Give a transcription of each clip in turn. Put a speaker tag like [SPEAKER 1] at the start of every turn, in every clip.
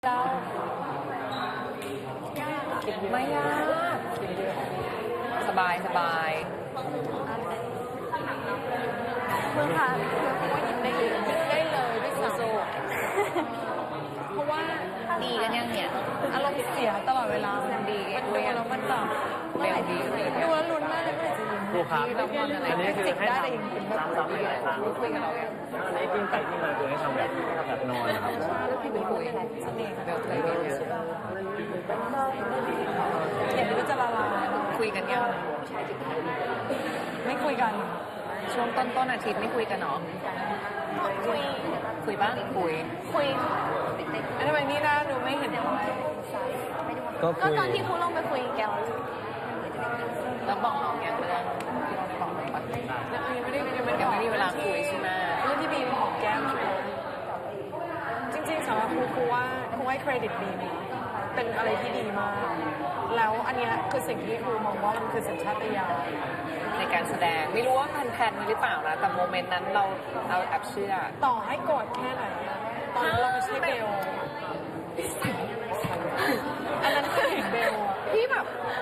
[SPEAKER 1] เจ้าไม่ยากสบาย
[SPEAKER 2] เมื่อค่ะได้เลยด้วยซ้ำเพราะว่า
[SPEAKER 1] ดีกันยังเนี่ย
[SPEAKER 2] อารมณ์เสียตลอดเวลา
[SPEAKER 1] ดี
[SPEAKER 2] มันดูแล้วมันแบบ
[SPEAKER 1] เร็วดี
[SPEAKER 2] ดูแล้วลุ้นมากเลย
[SPEAKER 3] ครูครับอันนี้คือให้ทำซ้ำๆหลายครั้ง
[SPEAKER 1] คุยกับเราอย่าง
[SPEAKER 3] อันนี้กิ้งไปที่มาคือให้ทำแบบนอนนะครับ
[SPEAKER 1] ที่เป็นคุยเสน่ห์แบบอะไรเนี่ย
[SPEAKER 2] เห็นว่าจะละลาย
[SPEAKER 1] คุยกันยัง
[SPEAKER 2] ไม่คุยกัน
[SPEAKER 1] ช่วงต้นอาทิตย์ไม่คุยกันเนาะคุยบ้าง
[SPEAKER 2] คุยอันทำไมนี่น่าดูไม่เห็นก็ตอนที่ครูลงไปคุยแกว
[SPEAKER 1] แล้วบอกน้องอย่างเรื่องที่เราได้บอกน้องปะ
[SPEAKER 2] ยังไม่
[SPEAKER 1] มีเวลาคุยใช่ไหม
[SPEAKER 2] เรื่องที่บีมหอมแก้มจริงๆสำหรับครูว่าให้เครดิตบีมเป็นอะไรที่ดีมากแล้วอันนี้คือสิ่งที่ครูมองว่ามันคือสัญชาตญาณ
[SPEAKER 1] ในการแสดงไม่รู้ว่าแพนหรือเปล่านะแต่โมเมนต์นั้นเราแอบเชื่อ
[SPEAKER 2] ต่อให้โกรธแค่ไหนตอนเราไม่ใช่เบลอันนั้นคือเบล
[SPEAKER 1] ที่แบบ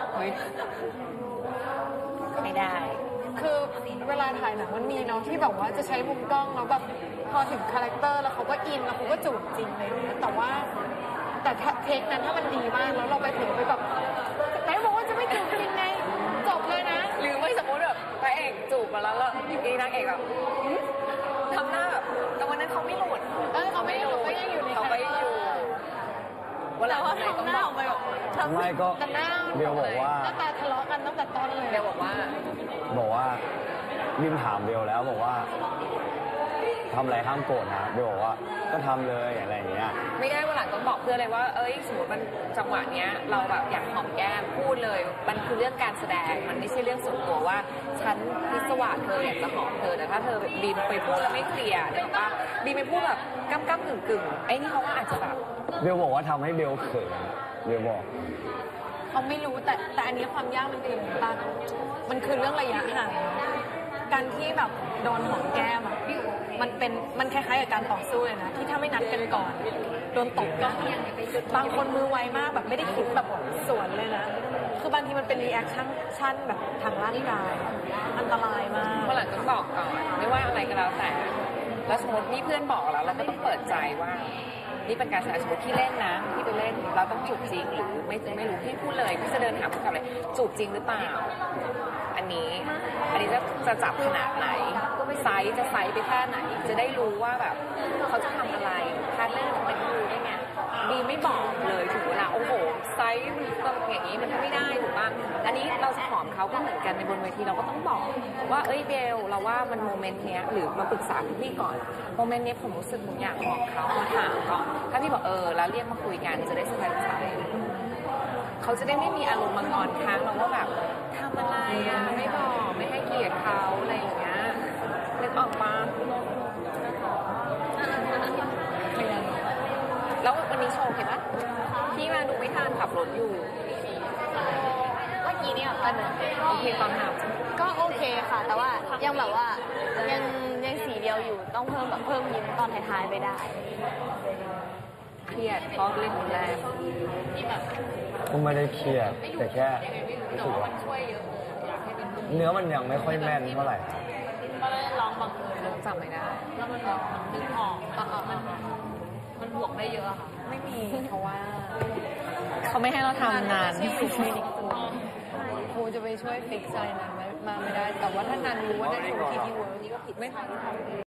[SPEAKER 1] ไม่ได้
[SPEAKER 2] คือเวลาถ่ายหนังมันมีเนาะที่แบบว่าจะใช้มุมกล้องแล้วแบบพอถึงคาแรคเตอร์แล้วเขาก็อินแล้วเขาก็จูบจริงอะไรอย่างเงี้ยแต่เทคนั้นถ้ามันดีมากแล้วเราไปถึงไปแบบไหนบอกว่าจะไม่จูบจริงไงจบเลยนะ
[SPEAKER 1] หรือไม่สมมติแบบพระเอกจูบมาแล้วอยู่ดีนางเอกแบบทำหน้าแบบแต่วันนั้นเขาไม่หลุด
[SPEAKER 2] เขาไม่หลุดก็ยังอยู่ใน
[SPEAKER 1] เขาไปอยู่
[SPEAKER 2] วันแล้วทำหน้าออกไปแบบ
[SPEAKER 4] ไม่ก็เบลบอกว่า
[SPEAKER 2] หน้าตาทะเลาะกันตั้งแต่ต้นเลย
[SPEAKER 1] เบลบอกว่า
[SPEAKER 4] บิมถามเบลแล้วบอกว่าทำอะไรห้ามโกรธนะเบลบอกว่าก็ทำเลยอะไรอย่างเงี้ย
[SPEAKER 1] ไม่ได้วันหลังต้องบอกเพื่อนเลยว่าสมมติมันจังหวะเนี้ยเราแบบอยากหอมแก้มพูดเลยมันคือเรื่องการแสดงมันไม่ใช่เรื่องส่วนตัวว่าฉันพิศวาสเธออยากจะหอมเธอแต่ถ้าเธอแบบบีมไปพูดแล้วไม่เคลียร์เนี่ยว่าบีมไปพูดแบบก้ำกึ่งไอ้นี่เขาว่าอาจจะแบบ
[SPEAKER 4] เบลบอกว่าทำให้เบลเขินเบลบอก
[SPEAKER 2] เขาไม่รู้แต่อันนี้ความยากมันคือตั้งมันคือเรื่องระยะห่างการที่แบบโดนหอมแก้มมันคล้ายๆกับการต่อสู้เลยนะที่ถ้าไม่นัดกันก่อนโดนตบก็บางคนมือไวมากแบบไม่ได้คิดแบบสวนเลยนะคือบางทีมันเป็นรีแอคชั่นแบบทางร่างกายอันตรายมาก
[SPEAKER 1] เมื่อหลังต้องบอกก่อนไม่ว่าอะไรก็แล้วแต่แล้วสมมตินี่เพื่อนบอกแล้วเราก็ต้องเปิดใจว่านี่เป็นการแสดงสมมติที่เล่นนะที่ไปเล่นเราต้องจูบจริงหรือไม่รู้พี่พูดเลยพี่จะเดินถามผู้กำกับเลยจูบจริงหรือเปล่าอันนี้จะจับขนาดไหนไซส์จะไซส์ไปแค่ไหนจะได้รู้ว่าแบบเขาจะทำอะไรพาร์ทเนอร์เป็นรู้ได้ไงดีไม่บอกเลยถึงเวลาโอ้โหไซส์ต้องอย่างนี้มันไม่ได้ถูกป่ะอันนี้เราจะหอมเขาก็เหมือนกันในบนเวทีเราก็ต้องบอกว่าเบลเราว่ามันโมเมนต์เนี้ยหรือมาปรึกษาพี่ก่อนโมเมนต์เนี้ยผมรู้สึกผมอยากหอมเขามาถามก่อนถ้าพี่บอกแล้วเรียกมาคุยกันจะได้สบายใจเขาจะได้ไม่มีอารมณ์มางอนค้างเราว่าแบบทำอะไรไม่บอกไม่ให้เกียรติเขาอะไรอย่างเงี้ยนึกออกปะแล้ววันนี้โชว์เห็นปะพี่มาดูไม่ทันขับรถอยู่
[SPEAKER 2] เมื่อกี้เนี่ย
[SPEAKER 1] โอเคตอนท
[SPEAKER 2] ำก็โอเคค่ะแต่ว่ายังแบบว่ายังสีเดียวอยู่ต้องเพิ่มยิ้มตอนท้ายๆไปได้
[SPEAKER 1] เครียดเพราะเล่นแรง
[SPEAKER 4] ก็ไม่ได้เครียดแต่แค่รู้สึกว่าเนื้อมันยังไม่ค่อยแม่นเท่าไหร่
[SPEAKER 2] ก็เลยร้องบาง
[SPEAKER 1] จำไม่ได้
[SPEAKER 2] แล้วมันดึงออกมันบวกได้เยอะค่ะ
[SPEAKER 1] ไม่มีเพราะว่าเขาไม่ให้เราทำงาน
[SPEAKER 2] ครูจะไปช่วยฟิกซ์อะไรนั้นมาไม่ได้แต่ว่าถ้านานรู้ว่าได้ถูกที่เวิร์กนี่ก็ผิดไม่